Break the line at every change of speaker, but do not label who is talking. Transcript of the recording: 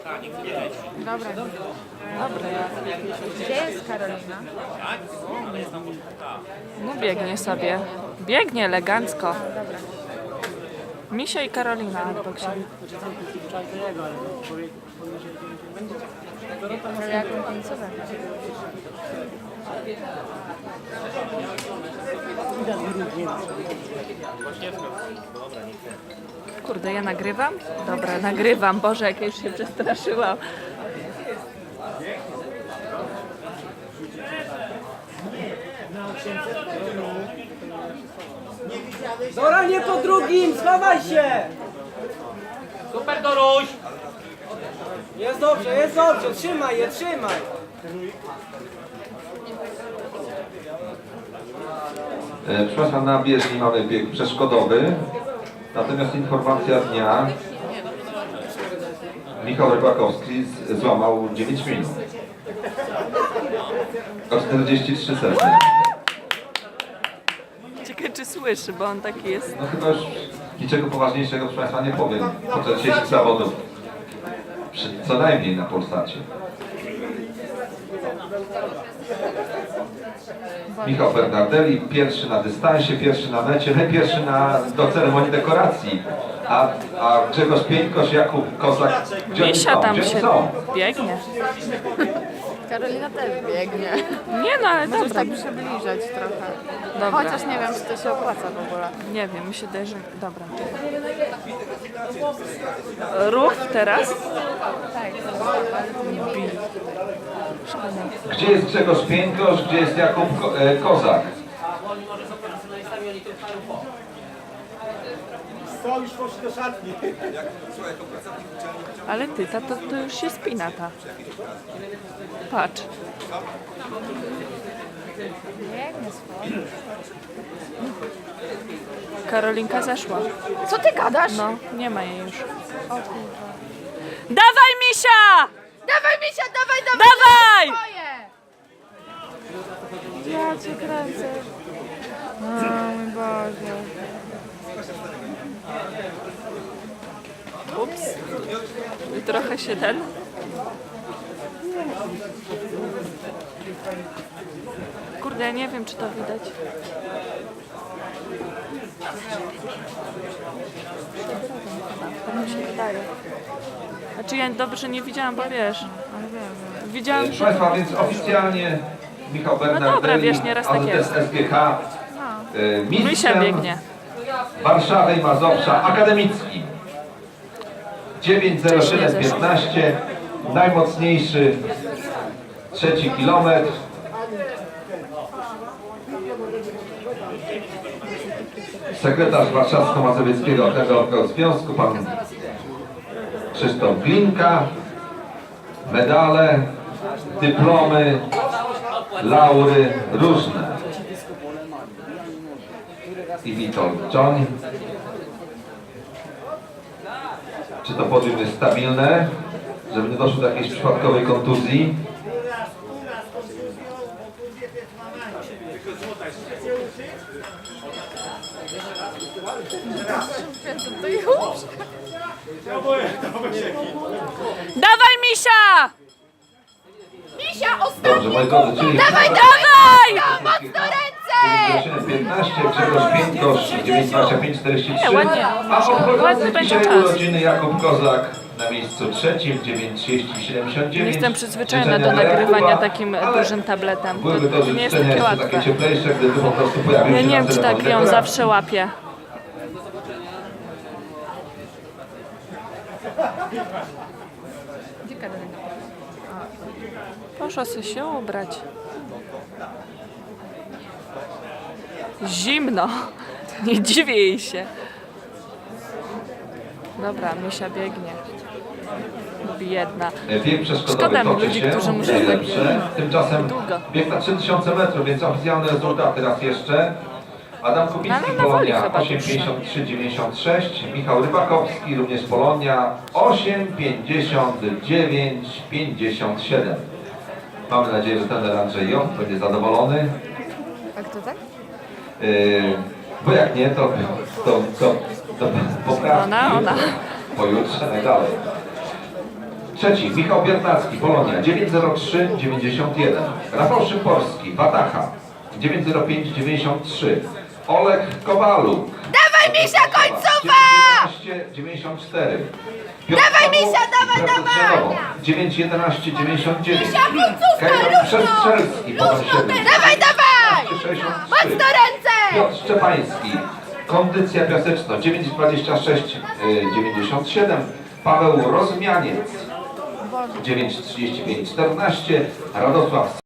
Dobra.
Dobra,
Gdzie jest Karolina?
no biegnie sobie. Biegnie elegancko.
Dobra.
Misia i Karolina obok siebie.
Ale jaką końcówę?
Kurde, ja nagrywam? Dobra, nagrywam. Boże, jak ja już się przestraszyłam.
Dora, nie po drugim, schowaj się!
Super, Doruś!
Jest dobrze, trzymaj je, trzymaj!
Proszę Państwa, na bieżni mamy bieg przeszkodowy, natomiast informacja dnia: Michał Rybakowski złamał 9 minut. O 43 sekundy.
Ciekawe, czy słyszy, bo on taki jest.
No chyba już niczego poważniejszego, proszę Państwa, nie powiem podczas dzisiejszych zawodów. Co najmniej na Polsacie. Michał Bernardelli, pierwszy na dystansie, pierwszy na mecie, pierwszy do ceremonii dekoracji. A Grzegorz Pieńkosz, Jakub Kozak, gdzie oni
Misia
są?
tam
Gdzie oni
się
są?
biegnie.
Karolina też biegnie.
Nie no, ale
Możesz
dobra.
tak przybliżać trochę.
Dobra.
Chociaż nie wiem, czy to się opłaca w ogóle.
Nie wiem, mi się daje, że... Dobra. Ruch teraz?
Tak, nie bili.
Gdzie jest Grzegorz Pieńkosz, gdzie jest Jakub Kozak?
Co, już poszli do szatni.
Ale ty, to już się spina ta. Patrz.
Biegnie swoje.
Karolinka zeszła.
Co ty gadasz?
No, nie ma jej już.
O kurwa.
Dawaj, Misia!
Dawaj, Misia, dawaj!
Dawaj!
Twoje! Ja cię kręcę. O mój Boże.
Ups. I trochę się ten... Kurde, ja nie wiem, czy to widać. Tak mi się wydaje. Znaczy ja dobrze nie widziałam, bo wiesz.
Ale wiem.
Widziałam,
Proszę
że...
Państwa, więc oficjalnie Michał
dobra,
Bernardelli,
wiesz, nieraz tak jest.
SGH,
Misia
mistrzem
biegnie.
Warszawy i Mazowsza akademicki. 9:07:15, najmocniejszy trzeci kilometr. Sekretarz Warszawsko-Mazowieckiego Okręgowego Związku, pan Krzysztof Glinka. Medale, dyplomy, laury różne. I Witold Czoń. Czy to podium jest stabilne, żeby nie doszło do jakiejś przypadkowej kontuzji?
To już.
Dawaj, Misia!
Misia, ostatni!
Dobrze, moi drodzy, czyli...
Dawaj! Mocno ręce!
15, Grzegorz Pieńkosz, 9:25:43.
Nie, ładnie.
A
Ładny
obchodzący
będzie
dzisiaj
czas.
urodziny Jakub Kozak na miejscu trzecim, 9:30:79.
Nie jestem przyzwyczajona
Życzenia
do
dla
nagrywania
Jakuba,
takim
ale
dużym tabletem.
byłyby to
To nie jest
życzenia
takie
jeszcze takie
łatwe.
cieplejsze, gdyby po prostu pojawił
Ja
się
nie
na
wiem, czy tak
ceremonii
ją
dekoracji.
zawsze łapie.
Gdzie Karolina?
Poszła sobie się ubrać. Zimno. Nie dziwię jej się. Dobra, Misia biegnie. Biedna.
Bieg przeszkodowy
Szkoda mi
toczy
ludzi,
się,
którzy muszą tak
dobrze. Tymczasem
długo.
bieg na 3000 metrów, więc oficjalne rezultaty raz jeszcze. Adam Kubicki,
Ale na woli
Polonia
chyba
8:53:96, Michał Rybakowski, również Polonia 8:59:57. Mamy nadzieję, że trener Andrzej Jąb będzie zadowolony.
A kto tak?
Bo jak nie, to poprawki
Ona.
pojutrze najdalej. Trzeci, Michał Biernacki, Polonia, 903,91. Rafał Szymborski, Wataha, 905,93. Olek Kowaluk.
Dawaj, Misia, końcowa!
911,94.
Dawaj, Misia, dawaj!
911,99.
końcówka,
Kajran Przestrzelski, Podon 7.
Dawaj!
63.
Mocno ręce!
Piotr Szczepański, Kondycja Piaseczno, 9,26,97. Paweł Rozmianiec, 9,35,14. Radosław